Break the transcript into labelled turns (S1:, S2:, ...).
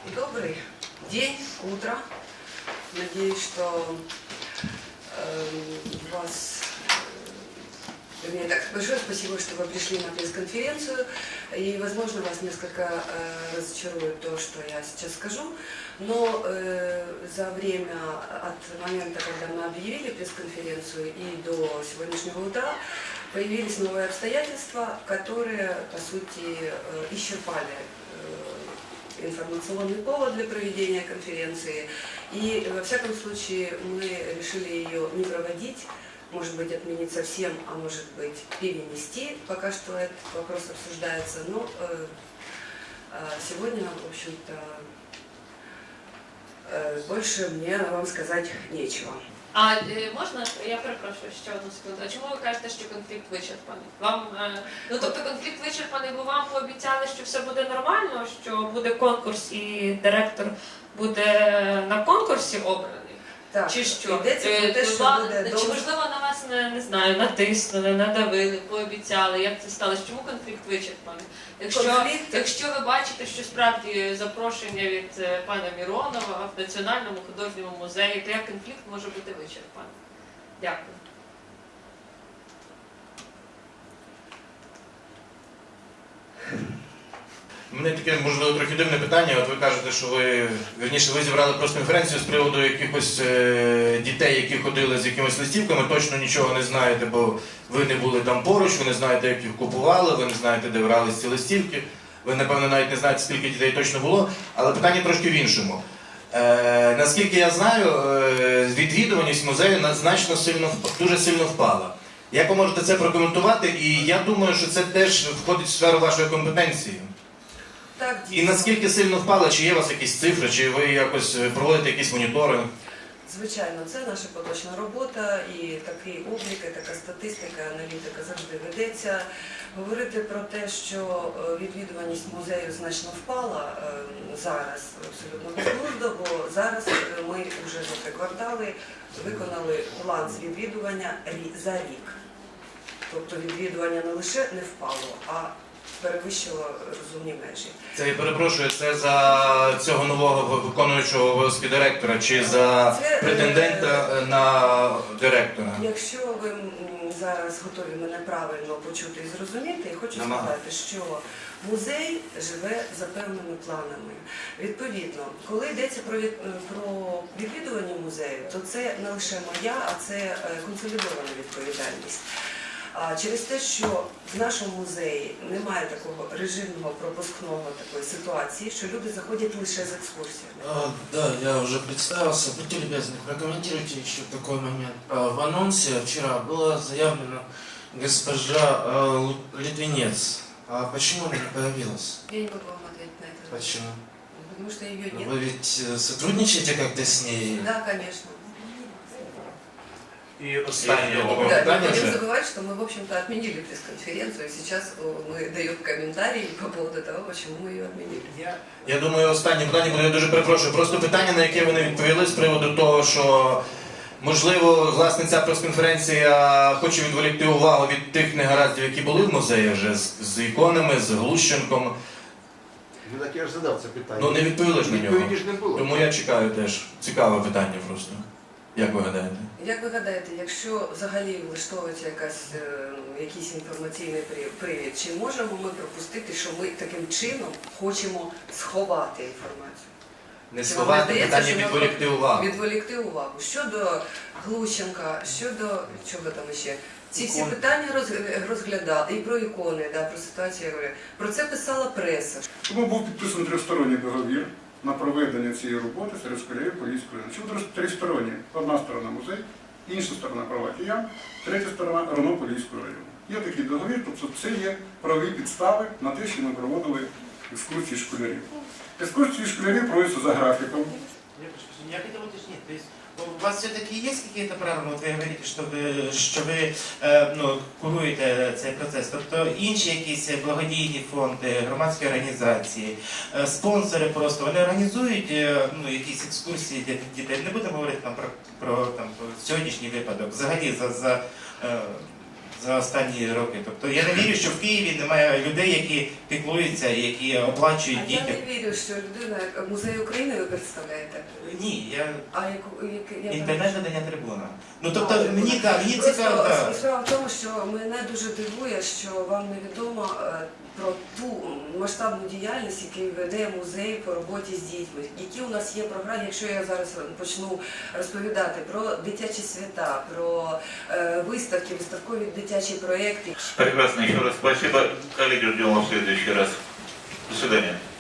S1: Добрый день, утро. Надеюсь, что вас... Вернее, так, большое спасибо, что вы пришли на пресс-конференцию. И, возможно, вас несколько разочарует то, что я сейчас скажу. Но за время от момента, когда мы объявили пресс-конференцию и до сегодняшнего утра, появились новые обстоятельства, которые, по сути, исчерпали информационный повод для проведения конференции. И, во всяком случае, мы решили ее не проводить, может быть, отменить совсем, а может быть, перенести. Пока что этот вопрос обсуждается. Но сегодня, в общем-то, больше мне вам сказать нечего.
S2: А можна, я перепрошую ще одну секунду. А чому ви кажете, що конфлікт вичерпаний? Вам, ну тобто конфлікт вичерпаний, бо вам пообіцяли, що все буде нормально, що буде конкурс і директор буде на конкурсі обраний?
S1: Так,
S2: чи що? Чи можливо на вас, не знаю, натиснули, надавили, пообіцяли, як це сталося? Чому конфлікт вичерпаний? Якщо ви бачите, що справді запрошення від пана Міронова в Національному художньому музеї, то як конфлікт може бути вичерпаний? Дякую.
S3: У мене таке, можливо, трохи дивне питання. От ви кажете, що ви зібрали прес-конференцію з приводу якихось дітей, які ходили з якимись листівками, точно нічого не знаєте, бо ви не були там поруч, ви не знаєте, як їх купували, ви не знаєте, де брались ці листівки, ви, напевно, навіть не знаєте, скільки дітей точно було, але питання трошки в іншому. Наскільки я знаю, відвідуваність музею дуже сильно впала. Як ви можете це прокоментувати? І я думаю, що це теж входить в сферу вашої компетенції.
S1: Так,
S3: і наскільки сильно впало, чи є у вас якісь цифри, чи ви якось проводите якісь моніторинг?
S1: Звичайно, це наша поточна робота, і такий облік, і така статистика, аналітика завжди ведеться. Говорити про те, що відвідуваність музею значно впала зараз, абсолютно безглуздо, бо зараз ми вже за 3 квартали виконали план з відвідування за рік. Тобто відвідування не лише не впало, а перевищило розумні межі.
S3: Це, я перепрошую, це за цього нового виконуючого обов'язки директора чи за претендента на директора?
S1: Якщо ви зараз готові мене правильно почути і зрозуміти, я хочу сказати, що музей живе за певними планами. Відповідно, коли йдеться про відвідування музею, то це не лише моя, а це консолідована відповідальність. А через те, що в нашому музеї немає такого режимного пропускного такої ситуації, що люди заходять лише з екскурсіями.
S4: Да, я уже представился. Будьте любезны, прокомментируйте еще такой момент. В анонсе вчера было заявлено госпожа Литвинец. А почему она не появилась?
S1: Я не могу вам ответить на это.
S4: Почему?
S1: Потому что ее нет.
S4: Вы ведь сотрудничаете как-то с ней?
S1: Да, конечно.
S3: І останнє
S1: Да, не будем забывать, что мы, в общем-то, отменили пресс-конференцию, и сейчас мы даем комментарии по поводу того, почему мы ее отменили.
S3: Я думаю, останнє питання буде, я дуже перепрошую. Просто питання, на яке ви не відповіли з приводу того, що, можливо, власне, ця прес-конференція хоче відволікти увагу від тих негараздів, які були в музеї вже, з іконами, з Глущенком.
S5: Ну так я ж задав це питання.
S3: Ну не відповіли ж на нього.
S5: Відповіді ж не було.
S3: Тому я чекаю теж. Цікаве питання просто. Як ви гадаєте?
S1: Як ви гадаєте, якщо взагалі влаштовується якийсь інформаційний привід, чи можемо ми пропустити, що ми таким чином хочемо сховати інформацію?
S3: Не сховати питання, відволікти увагу.
S1: Відволікти увагу. Щодо Глущенка, щодо чого там ще? Ці всі питання розглядали, і про ікони, да, про ситуацію, я говорю. Про це писала преса.
S6: Тому був підписаний тристоронній договір на проведення цієї роботи серед школярів Поліської району. Чому тристоронні? Одна сторона музей, інша сторона права киян, третя сторона РОНО Поліського району. Є такий договір, тобто це є правові підстави на те, що ми проводили екскурсії школярів. Екскурсії школярів проводяться за графіком.
S4: Я хотел уточнить, то есть у вас все-таки есть какие-то правила, вот ви говорите, що ви куруєте цей процес, тобто інші якісь благодійні фонди, громадські організації, спонсори просто, вони організують якісь екскурсії для дітей, не будемо говорити там про сьогоднішній випадок, взагалі за останні роки. Тобто я не вірю, що в Києві немає людей, які піклуються, які оплачують
S1: А я
S4: дітям.
S1: не вірю, що людина, як музей України ви представляєте.
S4: Ні, я
S1: А я
S4: інтернет-видання трибуна. Ну тобто мені
S1: Просто
S4: цікаво. Да.
S1: справа в тому, що мене дуже дивує, що вам невідомо про ту масштабну діяльність, яку веде музей по роботі з дітьми. Які у нас є програми, якщо я зараз почну розповідати про дитячі свята, про виставки, виставкові дитячі проекти.
S7: Прекрасно, еще раз спасибо. Коллеги, ждем вас в следующий раз. До свидания.